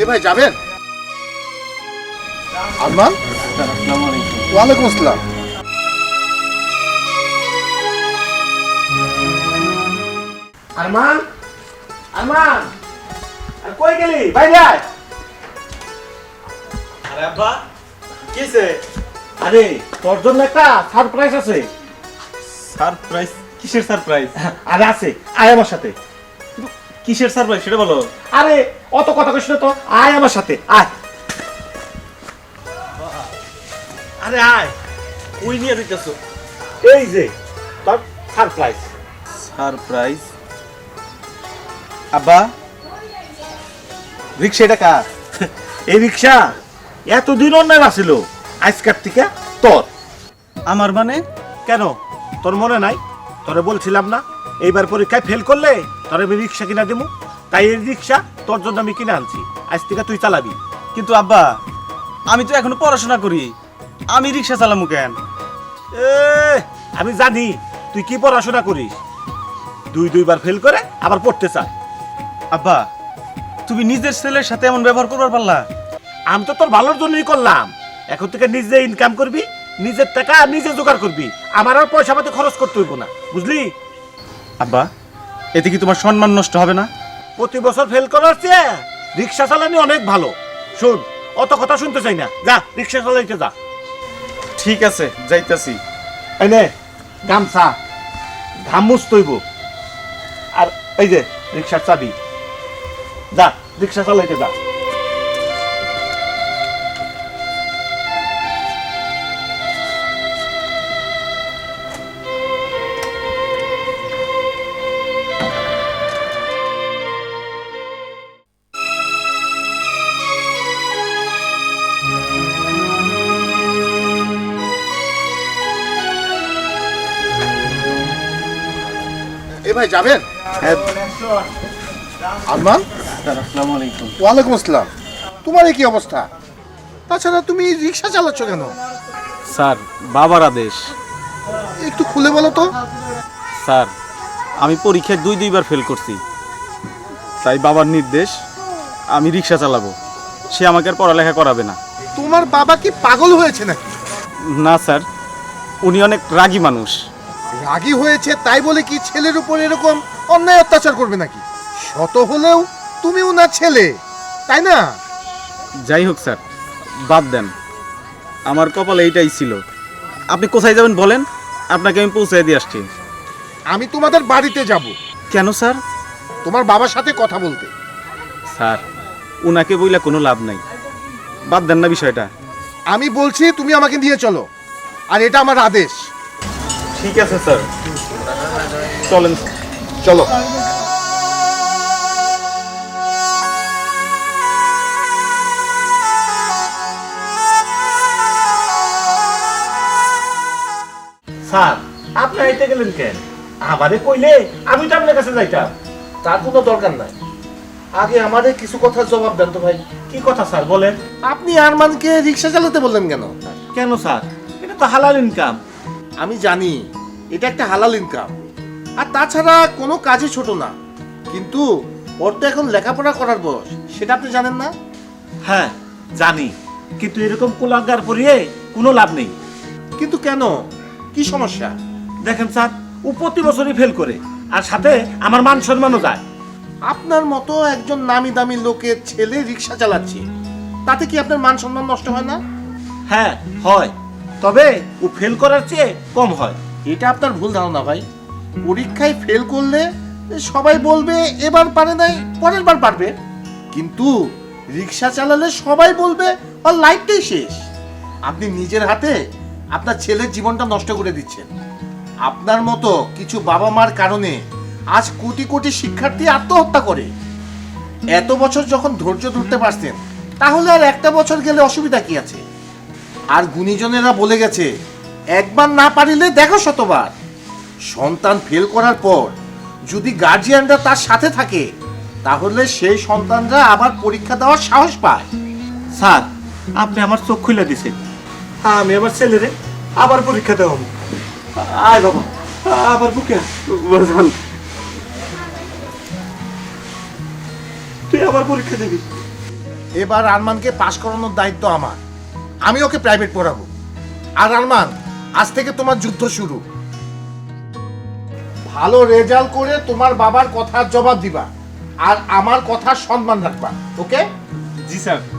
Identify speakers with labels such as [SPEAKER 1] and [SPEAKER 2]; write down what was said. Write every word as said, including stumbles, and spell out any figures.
[SPEAKER 1] ভাই যাবেন? আরমান,
[SPEAKER 2] আসসালামু আলাইকুম।
[SPEAKER 1] ওয়ালাইকুম আসসালাম। আরমান, আরমান, আর কই গেলি? বাইরে আয়।
[SPEAKER 2] আরে আব্বা কিছে?
[SPEAKER 1] আরে তোর জন্য একটা সারপ্রাইজ আছে।
[SPEAKER 2] সারপ্রাইজ? কিসের সারপ্রাইজ?
[SPEAKER 1] আরে আছে, আয় আমার সাথে।
[SPEAKER 2] কিসের সারপ্রাইজ সেটা বলো।
[SPEAKER 1] আরে অত কথা কইছ না তো, আয় আমার সাথে আয়। আরে আয়,
[SPEAKER 2] ওই নিয়ে দিতেছো?
[SPEAKER 1] এই যে তোর সারপ্রাইজ।
[SPEAKER 2] সারপ্রাইজ? আব্বা রিক্সা এটা কার?
[SPEAKER 1] এই রিক্সা এতদিন অন্যায় আসিল, আজকার থেকে তোর।
[SPEAKER 2] আমার মানে?
[SPEAKER 1] কেন তোর মনে নাই? তোরে বলছিলাম না এইবার পরীক্ষায় ফেল করলে তোরে আমি রিক্সা কিনা দেবো, তাই এই রিক্সা তোর জন্য আমি কিনে আনছি, আজ থেকে তুই চালাবি।
[SPEAKER 2] কিন্তু আব্বা আমি তো এখনো পড়াশোনা করি, আমি রিক্সা চালামু কেন?
[SPEAKER 1] এ আমি জানি তুই কি পড়াশোনা করিস, দুই দুইবার ফেল করে আবার পড়তে চায়।
[SPEAKER 2] আব্বা তুমি নিজের ছেলের সাথে এমন ব্যবহার করবার পারলা?
[SPEAKER 1] আমি তো তোর ভালোর জন্যই করলাম, এখন থেকে নিজে ইনকাম করবি, নিজের টাকা নিজে জোগাড় করবি, আমার আর পয়সা পাতি খরচ করতে হইব না, বুঝলি?
[SPEAKER 2] আব্বা এতে কি তোমার সম্মান নষ্ট হবে না?
[SPEAKER 1] প্রতি বছর ফেল করার চেয়ে রিক্সা চালানি অনেক ভালো। শোন, অত কথা শুনতে চাই না, যা রিক্সা চালাইতে যা।
[SPEAKER 2] ঠিক আছে যাইতাছি।
[SPEAKER 1] এই নে গামছা, ঘাম মুছতে হইব, আর এই যে রিক্সার চাবি, যা রিক্সা চালাইতে যা। এ ভাই যাবেন? আরমান,
[SPEAKER 2] আসসালামু আলাইকুম।
[SPEAKER 1] ওয়ালাইকুম আসসালাম। তোমার এই কি অবস্থা? তাছাড়া তুমি রিক্সা চালাচ্ছ কেন?
[SPEAKER 2] স্যার বাবার আদেশ।
[SPEAKER 1] একটু খুলে বলো তো।
[SPEAKER 2] স্যার আমি পরীক্ষায় দুই দুইবার ফেল করছি, তাই বাবার নির্দেশ আমি রিক্সা চালাবো, সে আমাকে আর পড়ালেখা করাবে না।
[SPEAKER 1] তোমার বাবা কি পাগল হয়েছে নাকি?
[SPEAKER 2] না স্যার, উনি অনেক রাগী মানুষ।
[SPEAKER 1] রাগী হয়েছে তাই বলে কি ছেলের উপর এরকম অন্যায় অত্যাচার করবে নাকি? শত হলেও তুমি ওনার ছেলে, তাই না?
[SPEAKER 2] যাই হোক স্যার, বাদ দেন, আমার কপালে এইটাই ছিল। আপনি কোথায় যাবেন বলেন, আপনাকে আমি পৌঁছে দিয়ে আসছি।
[SPEAKER 1] আমি তোমাদের বাড়িতে যাব।
[SPEAKER 2] কেন স্যার?
[SPEAKER 1] তোমার বাবার সাথে কথা বলতে।
[SPEAKER 2] স্যার উনাকে বইলা কোনো লাভ নাই, বাদ দেন না বিষয়টা।
[SPEAKER 1] আমি বলছি তুমি আমাকে নিয়ে চলো, আর এটা আমার আদেশ।
[SPEAKER 2] ঠিক আছে স্যার, চলেন।
[SPEAKER 1] চলো। স্যার আপনি আইতে গেলেন কেন? আমারে কইলে আমি তো আপনার কাছে যাইতাম।
[SPEAKER 3] তার কোনো দরকার নাই, আগে আমাদের কিছু কথার জবাব দেন তো ভাই।
[SPEAKER 1] কি কথা স্যার বলেন?
[SPEAKER 3] আপনি আরমানকে রিক্সা চালাতে বললেন কেন?
[SPEAKER 1] কেন স্যার, এটা তো হালাল ইনকাম।
[SPEAKER 3] আমি জানি এটা একটা হালাল ইনকাম, আর তাছাড়া কোনো কাজই ছোট না, কিন্তু ওর তো এখন লেখাপড়া করার বয়স, সেটা আপনি জানেন না?
[SPEAKER 1] হ্যাঁ জানি, কিন্তু এরকম কুলাঙ্গার পরিয়ে কোনো লাভ নেই।
[SPEAKER 3] কিন্তু কেন, কি সমস্যা?
[SPEAKER 1] দেখেন স্যার, ও প্রতি বছরই ফেল করে, আর সাথে আমার মান সম্মানও যায়।
[SPEAKER 3] আপনার মতো একজন নামি দামি লোকের ছেলে রিক্সা চালাচ্ছে, তাতে কি আপনার মান সম্মান নষ্ট হয় না?
[SPEAKER 1] হ্যাঁ হয়, তবে ও ফেল করার চেয়ে কম হয়।
[SPEAKER 3] এটা আপনার ভুল ধারণা ভাই। পরীক্ষায় ফেল করলে সবাই বলবে এবার পারে নাই, পরের বার পারবে, কিন্তু রিক্সা চালালে সবাই বলবে ওর লাইফটাই শেষ। আপনি নিজের হাতে আপনার ছেলের জীবনটা নষ্ট করে দিচ্ছেন। আপনার মতো কিছু বাবা মার কারণে আজ কোটি কোটি শিক্ষার্থী আত্মহত্যা করে। এত বছর যখন ধৈর্য ধরতে পারছেন, তাহলে আর একটা বছর গেলে অসুবিধা কি আছে? আর গুণীজনেরা বলে গেছে, একবার না পারিলে দেখো শতবার। সন্তান ফেল করার পর যদি গার্জিয়ানরা তার সাথে থাকে, তাহলে সেই সন্তানরা আবার পরীক্ষা দেওয়ার সাহস পায়।
[SPEAKER 1] স্যার আপনি আমার চোখ খুলে দিছেন, আমি আমার ছেলেরে আবার পরীক্ষা দেওয়া। আয় বাবা, আবার বুকে তুই আবার পরীক্ষা দিবি।
[SPEAKER 3] এবার আরমানকে পাশ করানোর দায়িত্ব আমার। আমি ওকে প্রাইভেট পড়াবো। আর আরমান, আজ থেকে তোমার যুদ্ধ শুরু। ভালো রেজাল্ট করে তোমার বাবার কথার জবাব দিবা, আর আমার কথার সম্মান রাখবা। ওকে?
[SPEAKER 2] জি স্যার।